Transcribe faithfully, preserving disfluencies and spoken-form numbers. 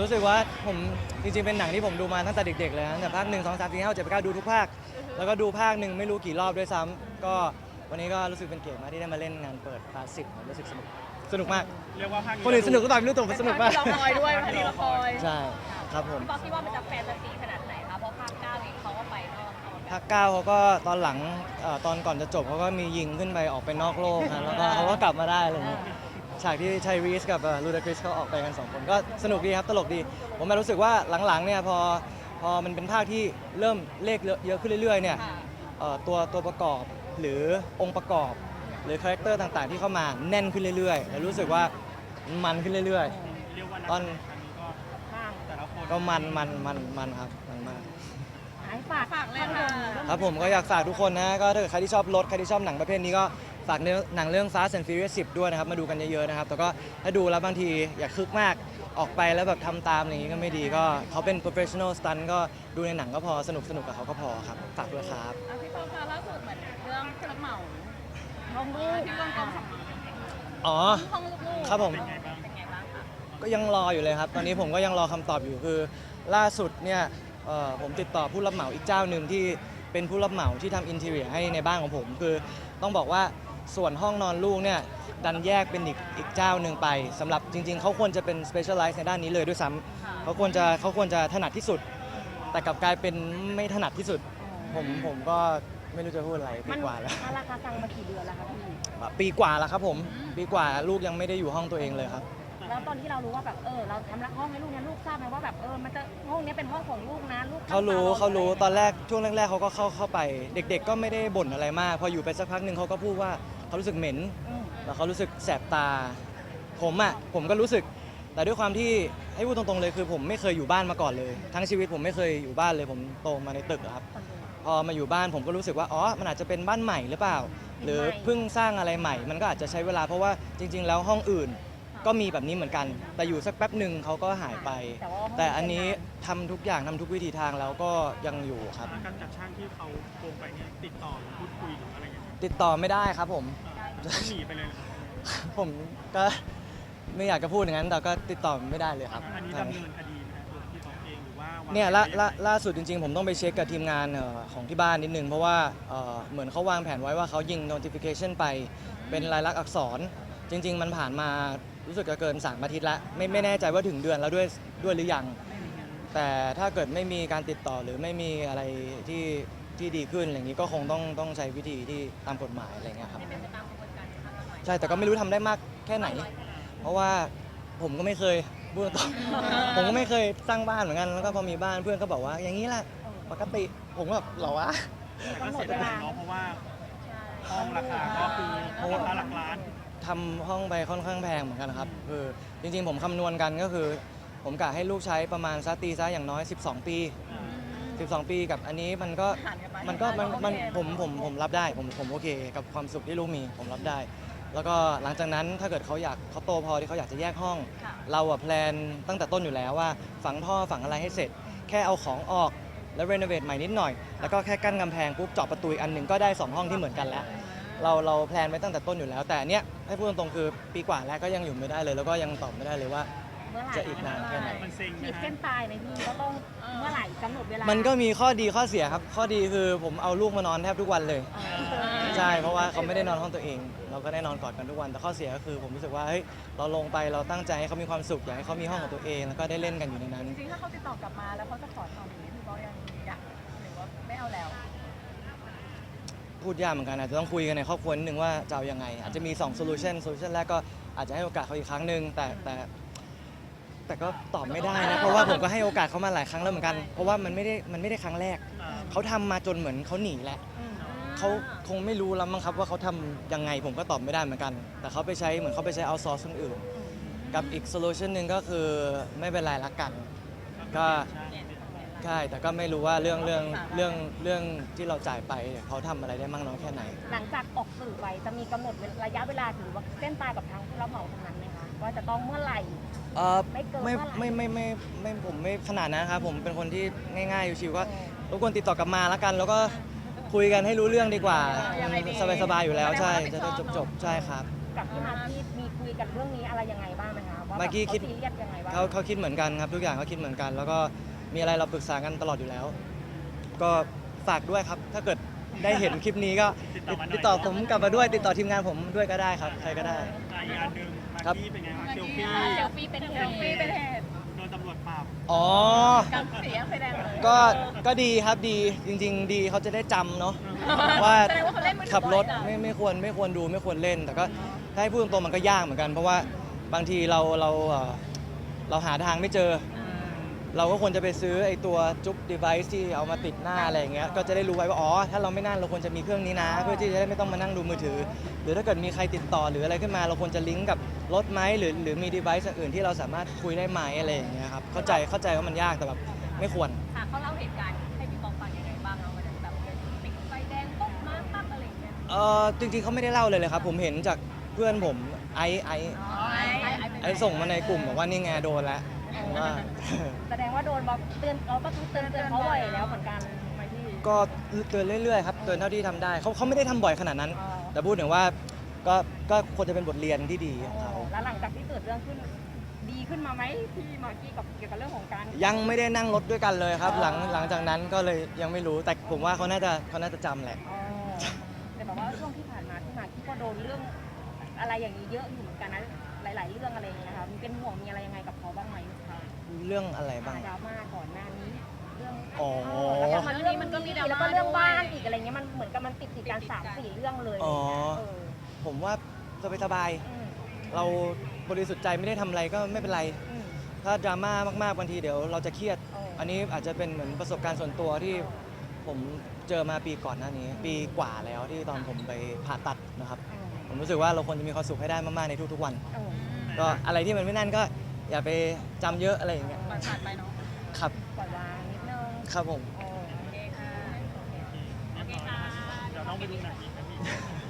รู้สึกว่าผมจริงๆเป็นหนังที่ผมดูมาตั้งแต่เด็กๆเลยนะตั้งแต่ภาคหนึ่งสองสามสี่ห้าหกเจ็ดแปดเก้าดูทุกภาคแล้วก็ดูภาคหนึ่งไม่รู้กี่รอบด้วยซ้ำก็วันนี้ก็รู้สึกเป็นเกียรติมากที่ได้มาเล่นงานเปิดพาร์ทสิบผมรู้สึกสนุกสนุกมากเรียกว่าภาคนี้คนอื่นสนุกก็ตามไม่รู้ตัวผมสนุกมากที่เราคอยด้วยพันที่เราคอยใช่ครับผมพี่ป๊อกคิดว่ามันจะแฟนตาซีขนาดไหนคะเพราะภาคเก้าเองเขาก็ไปนอกเอาแบบภาคเก้าเขาก็ตอนหลังเอ่อตอนก่อนจะจบเขาก็มียิงขึ้นไปออกไปนอกโลกนะแล้วก็เขาก็กลับมาได้อะไรอย่างเงี้ยฉากที่ไทรีสกับลูดาคริสเขาออกไปกันสองคนก็สนุกดีครับตลกดีผมมารู้สึกว่าหลังๆเนี่ยพอพอมันเป็นภาคที่เริ่มเลขเยอะขึ้นเรื่อยๆเนี่ยค่ะเอ่อตัวตัวประกอบหรือองค์ประกอบ หรือคาแรคเตอร์ต่างๆที่เข้ามาแน่นขึ้นเรื่อยๆแล้วรู้สึกว่ามันขึ้นเรื่อยเรียกว่านักตอนแสดงครั้งนี้ก็แต่ละคนๆ ก็มันมันมันมันครับมันมากให้ฝากฝากเลยค่ะครับผมก็อยากฝากทุกคนนะก็ถ้าเกิดใครที่ชอบรถใครที่ชอบหนังประเภทนี้ก็ฝากเนื้อหนังเรื่อง Fast and Furious สิบด้วยนะครับมาดูกันเยอะๆนะครับแต่ก็ถ้าดูแล้วบางทีอย่าคึกมากออกไปแล้วแบบทำตามอะไรอย่างนี้ก็ไม่ดีก็เขาเป็น professional stunt ก็ดูในหนังก็พอสนุกสนุกกับเขาก็พอครับฝากด้วยครับอ่ะพี่ป๊อกคะล่าสุดเหมือนเรื่องผู้รับเหมาห้องลูกที่เรื่องกองสำนักอ๋อห้องลูกๆครับผมเป็นไงบ้างเป็นไงบ้างคะก็ยังรออยู่เลยครับ ตอนนี้ผมก็ยังรอคำตอบอยู่คือล่าสุดเนี่ยเอ่อผมติดต่อผู้รับเหมาอีกเจ้าหนึ่งที่เป็นผู้รับเหมาที่ทำอินเทอร์เนียให้ในบ้านของผม คือต้องบอกว่าส่วนห้องนอนลูกเนี่ยดันแยกเป็นอีกอีกเจ้าหนึ่งไปสำหรับจริง ๆ เขาควรจะเป็น specialize ในด้านนี้เลยด้วยซ้ำเขาควรจะเขาควรจะถนัดที่สุด แต่กลับกลายเป็นไม่ถนัดที่สุด ผมผมก็ไม่รู้จะพูดอะไรปีกว่าแล้วมันราคาตังมากี่เดือนแล้วคะพี่ปีกว่าแล้วครับผมปีกว่าลูกยังไม่ได้อยู่ห้องตัวเองเลยครับแล้วตอนที่เรารู้ว่าแบบเออเราทำรักห้องให้ลูกเนี่ยลูกทราบไหมว่าแบบเออมันจะห้องนี้เป็นห้องของลูกนะลูกเขารู้ตมเขารู้ะไตอนแรกช่วงแรกๆเขาก็เข้าเข้าไป เด็ก ๆ ก็ไม่ได้บ่นอะไรมาก พออยู่ไปสักพักหนึ่งเขาก็พูดว่าเขารู้สึกเหม็นอืมแล้วเขารู้สึกแสบตา ผมอ่ะผมก็รู้สึก แต่ด้วยความที่ให้พูดตรงๆเลยคือผมไม่เคยอยู่บ้านมาก่อนเลย ทั้งชีวิตผมไม่เคยอยู่บ้านเลยผมโตมาในตึกอะครับ พอมาอยู่บ้านผมก็รู้สึกว่าอ๋อมันอาจจะเป็นบ้านใหม่หรือเปล่า หรือเพิ่งสร้างอะไรใหม่ มันก็อาจจะใช้เวลาเพราะว่าจริง ๆ แล้วห้องอื่นก็มีแบบนี้เหมือนกัน แต่อยู่สักแป๊บหนึ่งเขาก็หายไปแต่ว่าห้งแต่อันนี้ทำทุกอย่างทำทุกวิธีทางแล้วก็ยังอยู่ครับการจัดช่างที่เขาโกงไปเนี่ยติดต่อหรือพูดคุยหรืออะไรอย่างเงี้ยติดต่อไม่ได้ครับผมต้องหนีไปเลยเหรอผมก็ไม่อยากจะพูดอย่างนั้น แต่ก็ติดต่อไม่ได้เลยครับอันนี้ดำเนินคดีนะตัวพี่ป๊อกเองหรือว่าวางเนี่ยล่าแผนล่าล่าสุดจริงๆ ผมต้องไปเช็คกับทีมงานเอ่อของที่บ้านนิดนึง เพราะว่าเอ่อเหมือนเขาวางแผนไว้ว่าเขายิง notification ไปเป็นลายลักษณ์อักษร จริง ๆ มันผ่านมารู้สึกจะเกินสามอาทิตย์แล้วไม่ไม่แน่ใจว่าถึงเดือนแล้วด้วยด้วยหรือยัง แต่ถ้าเกิดไม่มีการติดต่อหรือไม่มีอะไรที่ที่ดีขึ้นอะไรอย่างนี้ก็คงต้องต้องใช้วิธีที่ตามกฎหมายอะไรเงี้ยครับเป็นไปตามกระบวนการทางกฎหมายใช่แต่ก็ไม่รู้ทำได้มากแค่ไหน เพราะว่าผมก็ไม่เคยพูดตรง ผมก็ไม่เคยสร้างบ้านเหมือนกันแล้วก็พอมีบ้านเพื่อนก็บอกว่าอย่างนี้แหละปกติผมก็แบบเหรอวะแต่ก็เสียดายเนาะเพราะว่าห้องราคาก็คือราคาหลักล้านทำห้องไปค่อนข้างแพงเหมือนกันครับคือจริงๆ ผมคำนวณกันก็คือ ผมกะให้ลูกใช้ประมาณซัตีซะอย่างน้อย สิบสอง ปี สิบสอง ปีกับอันนี้มันก็ผ่านกันไปมันก็มันมันโอเคผมผมผมรับได้ผมผมโอเค กับความสุขที่ลูกมีผมรับได้ แล้วก็หลังจากนั้นถ้าเกิดเขาอยากเขาโตพอที่เขาอยากจะแยกห้องค่ะเราอะแพลนตั้งแต่ต้นอยู่แล้วว่าฝังท่อฝังอะไรให้เสร็จ แค่เอาของออกแล้วรีโนเวทใหม่นิดหน่อย แล้วก็แค่กั้นกำแพงปุ๊บเจาะประตูอีกอันหนึ่งก็ได้สองห้องที่เหมือนกันแล้ว เราเราแพลนไว้ตั้งแต่ต้นอยู่แล้ว แต่อันเนี้ยให้พูดตรงๆคือปีกว่าแล้วก็ยังอยู่ไม่ได้เลย แล้วก็ยังตอบไม่ได้เลยว่าเมื่อไหร่จะอีกนานแค่ไหนมันเซ็งขีดนะเส้ฮะนตายไหมพี่ก็ต้องเมื่อไหร่กำหนดเวลามัมันก็มีข้อดีข้อเสียครับ ข้อดีคือผมเอาลูกมานอนแทบทุกวันเลย ใช่ เพราะว่าเขาไม่ได้นอนห้องตัวเอง เราก็ได้นอนกอดกันทุกวัน แต่ข้อเสียก็คือผมรู้สึกว่าเฮ้ยเราลงไปเราตั้งใจให้เขามีความสุขอยากให้เขามีห้องของตัวเอง แล้วก็ได้เล่นกันอยู่ในนั้นจริงๆถ้าเขาติดต่อกลับมาแล้วเขาจะขอทำอย่างนี้พี่ก็ยังอยากหรือว่าไม่เอาแล้วพูดยากเหมือนกันอาจจะต้องคุยกันในครอบครัวนิดนึงว่าจะเอายังไง อาจจะมี2 solution solution แรกก็อาจจะให้โอกาสเขาอีกครั้งหนึ่งแต่แต่แต่ก็ตอบไม่ได้นะ เพราะว่าผมก็ให้โอกาสเขามาหลายครั้งแล้วเหมือนกัน เพราะว่ามันไม่ได้มันไม่ได้ครั้งแรกอ่าเขาทำมาจนเหมือนเขาหนีแล้วเขาคงไม่รู้แล้วมั้งครับว่าเขาทำยังไงผมก็ตอบไม่ได้เหมือนกัน แต่เขาไปใช้เหมือนเขาไปใช้เอาซอร์สคนอื่น กับอีกโซลูชันหนึ่งก็คือไม่เป็นไรละกัน ก็ใช่แต่ก็ไม่รู้ว่าเรื่องเรื่องเรื่องเรื่องที่เราจ่ายไปเขาทำอะไรได้มากน้อยแค่ไหนหลังจากออกสื่อไปจะมีกำหนดระยะเวลาหรือว่าเส้นตายกับทางผู้รับเหมาตรงนั้นไหมคะว่าจะต้องเมื่อไหร่เออไม่เกินไม่เท่าไหร่ไม่ไม่ไม่ไม่ผมไม่ขนาดนั้นครับผมเป็นคนที่ง่ายๆชิวๆก็เออรบกวนติดต่อกลับมาแล้วกัน แล้วก็คุยกันให้รู้เรื่องดีกว่ายังไงดีสบายๆอยู่แล้วใช่แสดจะงว่าได้รับผิดชอบจบๆใช่ครับอกับพี่มากกี้มีคุยกันเรื่องนี้อะไรยังไงบ้างไหมคะว่าแบบมากกี้คิดเขาซีเรียสยังไงบ้างเขาเขาคิดเหมือนกันครับทุกอย่างเขาคิดเหมือนกัน แล้วก็มีอะไรเราปรึกษากันตลอดอยู่แล้ว ก็ฝากด้วยครับ ถ้าเกิดได้เห็นคลิปนี้ก็ติดต่อผมกลับมาด้วยติดต่อทีมงานผมด้วยก็ได้ครับใครก็ได้อ่ะอีกอันหนึ่งมากครับกี้เป็นไงบ้างเซลฟี่เซลฟี่เป็นเหตุเซลฟี่เป็นเหตุโดนตำรวจปราบอ๋อกับเสียงไฟแดงเลยก็ก็ดีครับดีจริง ๆ ดีเขาจะได้จำเนาะว่าแสดงว่าเขาเล่นมือถือขับรถบ่อยเหรอไม่ไม่ควรไม่ควรดูไม่ควรเล่น แต่ก็ถ้าให้พูดตรงๆมันก็ยากเหมือนกัน เพราะว่าบางทีเราเราเอ่อเราหาทางไม่เจอ เราก็ควรจะไปซื้อไอ้ตัวจุ๊บ device ที่เอามาติดหน้าอะไรอย่างเงี้ยก็จะได้รู้ไว้ว่าอ๋อถ้าเราไม่นั่นเราควรจะมีเครื่องนี้นะ เพื่อที่จะได้ไม่ต้องมานั่งดูมือถือ หรือถ้าเกิดมีใครติดต่อหรืออะไรขึ้นมา เราควรจะลิงก์กับรถไหมหรือหรือมี device อื่นที่เราสามารถคุยได้ไหมอะไรอย่างเงี้ยครับเข้าใจเข้าใจว่ามันยากแต่แบบไม่ควรค่ะเขาเล่าเหตุการณ์ให้พี่บอกฟังยังไงบ้างเราวันนั้นแบบติดไฟแดงปุ๊บมาปั๊บอะไรอย่างเงี้ยเออจริงๆเขาไม่ได้เล่าเลยเลยครับ ผมเห็นจากเพื่อนผมไอไออ๋อไอ้ไอ้ไอส่งมาในกลุ่มบอกว่านี่ไงโดนแล้วผมว่าแสดงว่าโดนบอกเตือนเราก็ต้องเตือนเตือนเขาบ่อยแล้วเหมือนกันไหมพี่ก็เตือนเรื่อยๆครับเตือนเท่าที่ทำได้เขาเขาไม่ได้ทำบ่อยขนาดนั้นอ๋อแต่พูดถึงว่าก็ก็ควรจะเป็นบทเรียนที่ดีของเขาแล้วหลังจากที่เกิดเรื่องขึ้นดีขึ้นมาไหมพี่มากกี้กับเกี่ยวกับเรื่องของการยังไม่ได้นั่งรถด้วยกันเลยครับอ๋อหลังหลังจากนั้นก็เลยยังไม่รู้แต่ผมว่าเขาน่าจะเขาน่าจะจำแหละอ๋อแต่แบบว่าช่วงที่ผ่านมาพี่มากกี้ก็โดนเรื่องอะไรอย่างนี้เยอะอยู่เหมือนกันนะหลาย ๆ เรื่องอะไรอย่างเงี้ยนะคะมีเป็นห่วงมีอะไรยังไงกับเขาบ้างไหมคะเรื่องอะไรบ้างดราม่าก่อนหน้านี้เรื่องอ๋อแล้วก็มาเรื่องมันก็มีแล้วก็เรื่องบ้านอีกอะไรเงี้ยมันเหมือนกับมันติดติดๆกันสามสี่เรื่องเลยอ๋อเออผมว่าสบายอืมๆเราบริสุทธิ์ใจไม่ได้ทำอะไรก็ไม่เป็นไรอืมถ้าดราม่ามากๆบางทีเดี๋ยวเราจะเครียดอ๋ออัอันนี้อาจจะเป็นเหมือนประสบการณ์ส่วนตัวที่ผมเจอมาปีก่อนหน้านี้ ปีกว่าแล้วที่ตอนผมไปผ่าตัดนะครับอืมผมรู้สึกว่าเราควรจะมีความสุขให้ได้มากๆในทุกๆวันเออก็อะไรที่มันไม่นั่นก็อย่าไปจำเยอะอะไรอย่างเงี้ยปล่อยผ่านไปเนาะครับปล่อยวางนิดนึงครับผมเออโอเคค่ะโอเคค่ะเดี๋ยวต้องไปดูหนังอีกนะพี่